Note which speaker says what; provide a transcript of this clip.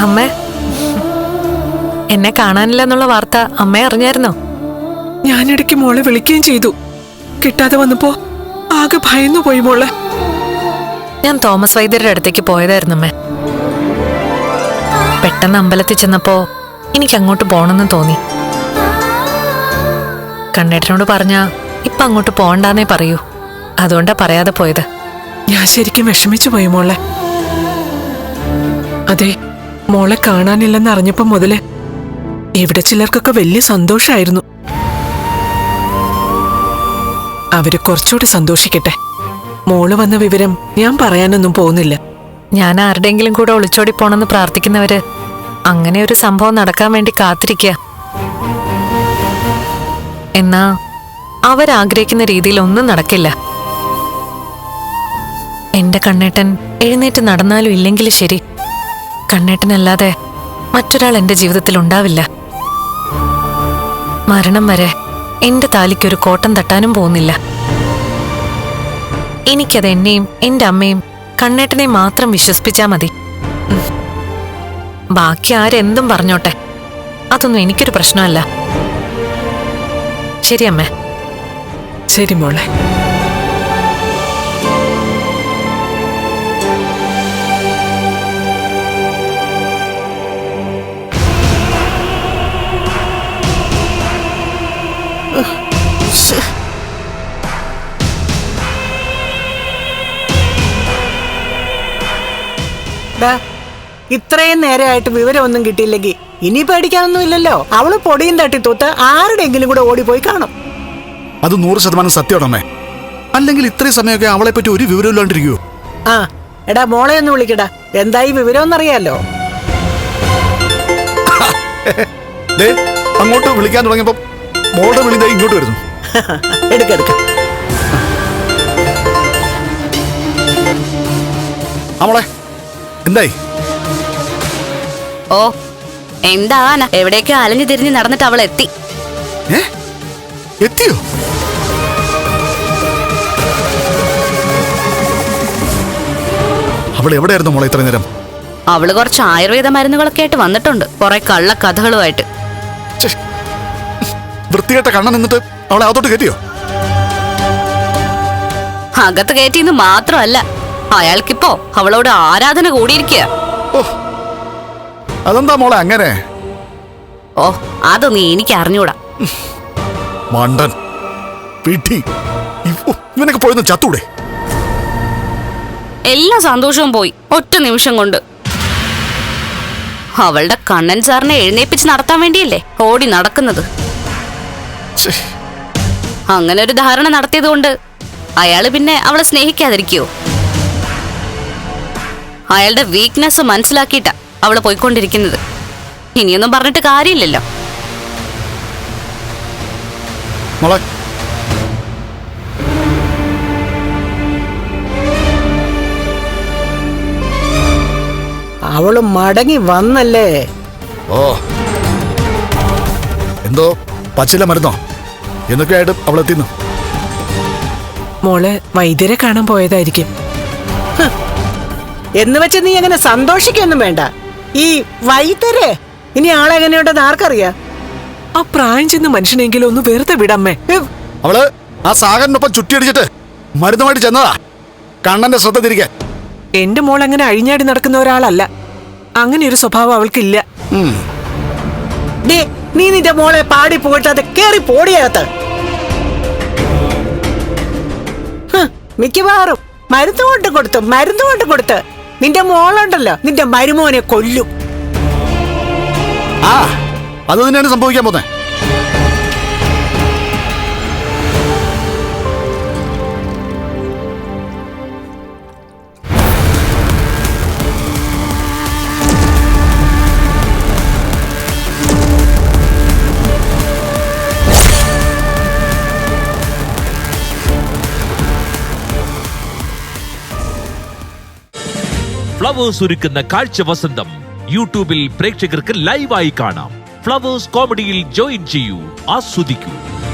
Speaker 1: അമ്മേ, എന്നെ കാണാനില്ല എന്നുള്ള വാർത്ത അമ്മ അറിഞ്ഞായിരുന്നോ?
Speaker 2: ഞാനിടയ്ക്ക് മോളെ വിളിക്കുകയും ചെയ്തു. കിട്ടാതെ വന്നപ്പോ ആകെ ഭയന്നു പോയി മോളെ.
Speaker 1: ഞാൻ തോമസ് വൈദ്യരുടെ അടുത്തേക്ക് പോയതായിരുന്നു അമ്മേ. പെട്ടെന്ന് അമ്പലത്തിൽ ചെന്നപ്പോ എനിക്ക് അങ്ങോട്ട് പോണെന്ന് തോന്നി. കണ്ണേട്ടനോട് പറഞ്ഞാ ഇപ്പൊ അങ്ങോട്ട് പോകണ്ടെന്നേ പറയൂ. അതുകൊണ്ടാ പറയാതെ പോയത്.
Speaker 2: ഞാൻ ശരിക്കും വിഷമിച്ചു പോയി മോളെ. അതെ, മോളെ കാണാനില്ലെന്ന് അറിഞ്ഞപ്പോ മുതല് ഇവിടെ ചിലർക്കൊക്കെ വലിയ സന്തോഷായിരുന്നു. അവര് കുറച്ചുകൂടി സന്തോഷിക്കട്ടെ. മോള് വന്ന വിവരം ഞാൻ പറയാനൊന്നും പോകുന്നില്ല.
Speaker 1: ഞാൻ ആരുടെയെങ്കിലും കൂടെ ഒളിച്ചോടി പോണെന്ന് പ്രാർത്ഥിക്കുന്നവര് അങ്ങനെ ഒരു സംഭവം നടക്കാൻ വേണ്ടി കാത്തിരിക്കുക. എന്നാ അവരാഗ്രഹിക്കുന്ന രീതിയിൽ ഒന്നും നടക്കില്ല. എന്റെ കണ്ണേട്ടൻ എഴുന്നേറ്റ് നടന്നാലും ഇല്ലെങ്കിലും ശരി, കണ്ണേട്ടനല്ലാതെ മറ്റൊരാൾ എന്റെ ജീവിതത്തിൽ ഉണ്ടാവില്ല. മരണം വരെ എന്റെ താലിക്കൊരു കോട്ടം തട്ടാനും പോകുന്നില്ല. എനിക്കത് എന്നെയും എന്റെ അമ്മയും കണ്ണേട്ടനെയും മാത്രം വിശ്വസിപ്പിച്ചാ മതി. ബാക്കി ആരെന്തും പറഞ്ഞോട്ടെ, അതൊന്നും എനിക്കൊരു പ്രശ്നമല്ല. ശരി അമ്മേ.
Speaker 2: ശരി മോളെ.
Speaker 3: ഇത്രയും നേരമായിട്ട് വിവരമൊന്നും കിട്ടിയില്ലെങ്കിൽ ഇനി പേടിക്കാനൊന്നുമില്ലല്ലോ. അവള് പൊടിയും തട്ടി തൂത്ത് ആരുടെയെങ്കിലും കൂടെ ഓടിപ്പോയി കാണും.
Speaker 4: അത് 100% സത്യമാണമ്മേ. അല്ലെങ്കിൽ ഇത്രയും സമയമൊക്കെ അവളെ പറ്റി ഒരു വിവരം ഇല്ലാണ്ടിരിക്കൂ.
Speaker 3: ആ എടാ, മോളെ ഒന്ന് വിളിക്കടാ. എന്തായി വിവരമെന്നറിയാലോ.
Speaker 4: അങ്ങോട്ട് വിളിക്കാൻ തുടങ്ങിയപ്പോ മോളുടെ വിളി ഇങ്ങോട്ട് വരുന്നു.
Speaker 3: എടുക്കെടുക്ക.
Speaker 4: അവളെ എന്തായി?
Speaker 5: ഓ എന്താവാനാ, എവിടേക്കോ അലഞ്ഞു തിരിഞ്ഞ് നടന്നിട്ട് അവൾ എത്തി.
Speaker 4: എത്തിയോ? അവൾ എവിടെയായിരുന്നു മോളെ ഇത്ര നേരം?
Speaker 5: അവള് കുറച്ച് ആയുർവേദ മരുന്നുകളൊക്കെ ആയിട്ട് വന്നിട്ടുണ്ട്, കുറെ കള്ള കഥകളുമായിട്ട്.
Speaker 4: വൃത്തികെട്ട കണ്ണൻ എന്നിട്ട് അവളെ അകത്തോട്ട് കയറ്റിയോ?
Speaker 5: അകത്ത് കയറ്റിന്ന് മാത്രമല്ല, അയാൾക്കിപ്പോ അവളോട് ആരാധന കൂടിയിരിക്കുക.
Speaker 4: അതെന്താ മോളെ അങ്ങനെ?
Speaker 5: ഓ അതൊന്നും എനിക്ക് അറിഞ്ഞൂടാ.
Speaker 4: മണ്ടൻ പിടി. ഇവനൊക്കെ പോയെന്ന് ചത്തൂടെ?
Speaker 5: എല്ലാ സന്തോഷവും പോയി ഒറ്റ നിമിഷം കൊണ്ട്. അവളുടെ കണ്ണൻ സാറിനെ എഴുന്നേപ്പിച്ച് നടത്താൻ വേണ്ടിയല്ലേ ഓടി നടക്കുന്നത്. അങ്ങനെ ഒരു ധാരണ നടത്തിയത് കൊണ്ട് അയാള് പിന്നെ അവളെ സ്നേഹിക്കാതിരിക്കോ? അയാളുടെ വീക്ക്നെസ് മനസ്സിലാക്കിയിട്ടാ അവള് പോയിക്കൊണ്ടിരിക്കുന്നത്. ഇനിയൊന്നും പറഞ്ഞിട്ട് കാര്യമില്ലല്ലോ.
Speaker 3: അവള് മടങ്ങി വന്നല്ലേ?
Speaker 4: ഓ എന്തോ പച്ചില മരുന്നോ എന്നൊക്കെ ആയിട്ട് അവളെത്തിന്നു.
Speaker 2: മോളെ വൈദ്യരെ കാണാൻ പോയതായിരിക്കും.
Speaker 3: എന്ന് വെച്ച് നീ അങ്ങനെ സന്തോഷിക്കൊന്നും വേണ്ട. ഈ വൈദ്യരെ ഇനി ആളെങ്ങനെയുണ്ടെന്ന് ആർക്കറിയാ?
Speaker 2: ആ പ്രായം ചെന്ന മനുഷ്യനെങ്കിലും ഒന്ന് വെറുതെ വിടമ്മേ.
Speaker 4: അവള് ആ സാഗറിനൊപ്പം ചുറ്റിയടിച്ചിട്ട് മരുന്നുമായിട്ട് ചെന്നതാ കണ്ണന്റെ ശ്രദ്ധ തിരിക്കാൻ.
Speaker 2: എന്റെ മോൾ അങ്ങനെ അഴിഞ്ഞാടി നടക്കുന്ന ഒരാളല്ല. അങ്ങനെ ഒരു സ്വഭാവം അവൾക്കില്ല.
Speaker 3: നീ നിന്റെ മോളെ പാടി പോയിട്ട് അത് കേറി പോടിയകത്ത്. മിക്കവാറും മരുന്ന് കൊണ്ട് കൊടുത്ത് നിന്റെ മോളുണ്ടല്ലോ, നിന്റെ മരുമോനെ കൊല്ലും.
Speaker 4: ആ അത് തന്നെയാണ് സംഭവിക്കാൻ പോന്നെ.
Speaker 6: ഫ്ലവേഴ്സ് ഒരുക്കുന്ന കാഴ്ച വസന്തം യൂട്യൂബിൽ പ്രേക്ഷകർക്ക് ലൈവായി കാണാം. ഫ്ലവേഴ്സ് കോമഡിയിൽ ജോയിൻ ചെയ്യൂ, ആസ്വദിക്കൂ.